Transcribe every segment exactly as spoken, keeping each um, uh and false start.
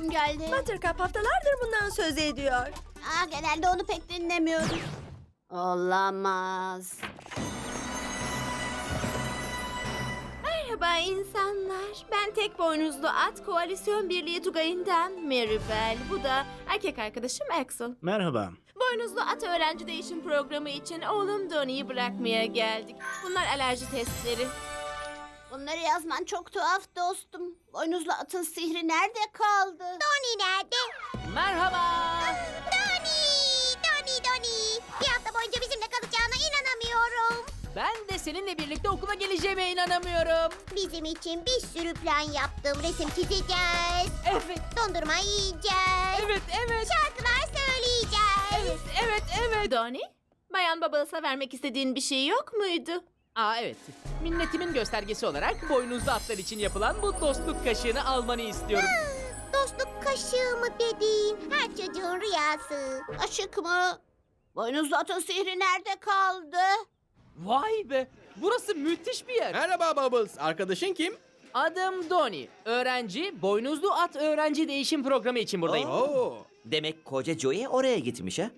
uykum geldi. Buttercup haftalardır bundan söz ediyor. Aa, genelde onu pek dinlemiyorum. Olamaz. Merhaba insanlar. Ben tek boynuzlu at koalisyon birliği Tugay'ından Maribel. Bu da erkek arkadaşım Axel. Merhaba. Boynuzlu at öğrenci değişim programı için oğlum Donnie'yi bırakmaya geldik. Bunlar alerji testleri. Bunları yazman çok tuhaf dostum. Boynuzlu atın sihri nerede kaldı? Donnie nerede? Merhaba. Donnie! Donnie, Donnie! Bir hafta boyunca bizimle kalacağına inanamıyorum. Ben de seninle birlikte okula geleceğime inanamıyorum. Bizim için bir sürü plan yaptım. Resim çizeceğiz. Evet, Dondurma yiyeceğiz. evet, evet. Şarkılar söyleyeceğiz. Evet, evet. Donnie, Bayan Bubbles'a vermek istediğin bir şey yok muydu? Aa evet. Minnetimin göstergesi olarak boynuzlu atlar için yapılan bu dostluk kaşığını almanı istiyorum. Dostluk kaşığı mı dediğin her çocuğun rüyası. Kaşık mı? Boynuzlu atın sihri nerede kaldı? Vay be. Burası müthiş bir yer. Merhaba Bubbles. Arkadaşın kim? Adım Donnie. Öğrenci, boynuzlu at öğrenci değişim programı için buradayım. Oo. Demek koca Joey oraya gitmiş ha?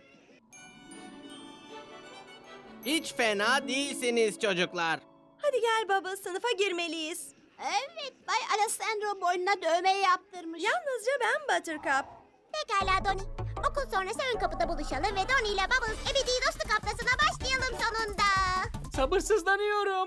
Hiç fena değilsiniz çocuklar. Hadi gel baba, sınıfa girmeliyiz. Evet, Bay Alessandro boynuna dövme yaptırmış. Yalnızca ben Buttercup. Pekala Donnie. Okul sonrası ön kapıda buluşalım ve Donnie ile Bubbles ebedi dostluk haftasına başlayalım sonunda. Sabırsızlanıyorum.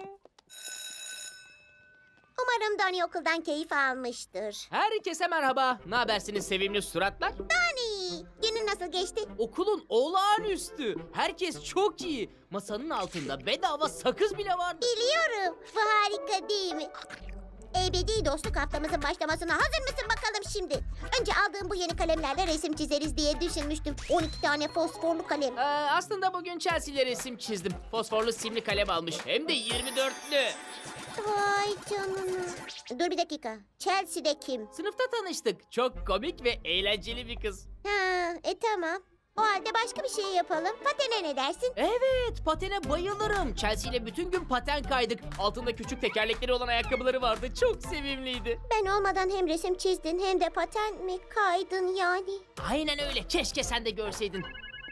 Umarım Donnie okuldan keyif almıştır. Herkese merhaba. Ne habersiniz sevimli suratlar? Donnie, günün nasıl geçti? Okulun olağanüstü. Herkes çok iyi. Masanın altında bedava sakız bile vardı. Biliyorum. Bu harika değil mi? Ebedi dostluk haftamızın başlamasına hazır mısın bakalım şimdi? Önce aldığım bu yeni kalemlerle resim çizeriz diye düşünmüştüm. on iki tane fosforlu kalem. Ee, aslında bugün Chelsea'yle resim çizdim. Fosforlu simli kalem almış. Hem de yirmi dörtlü. Vay canına. Dur bir dakika. Chelsea'de kim? Sınıfta tanıştık. Çok komik ve eğlenceli bir kız. Ha, e tamam. O halde başka bir şey yapalım. Patene ne dersin? Evet, patene bayılırım. Chelsea ile bütün gün paten kaydık. Altında küçük tekerlekleri olan ayakkabıları vardı. Çok sevimliydi. Ben olmadan hem resim çizdin hem de paten mi kaydın yani? Aynen öyle. Keşke sen de görseydin.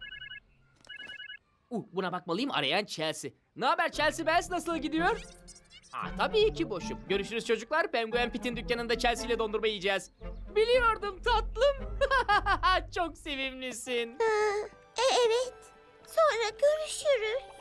Uh, buna bakmalıyım, arayan Chelsea. Ne haber Chelsea Bells, nasıl gidiyor? Aa, tabii ki boşum. Görüşürüz çocuklar. Penguin Pit'in dükkanında Chelsea ile dondurma yiyeceğiz. Biliyordum tatlım. Çok sevimlisin. Ha, e evet. Sonra görüşürüz.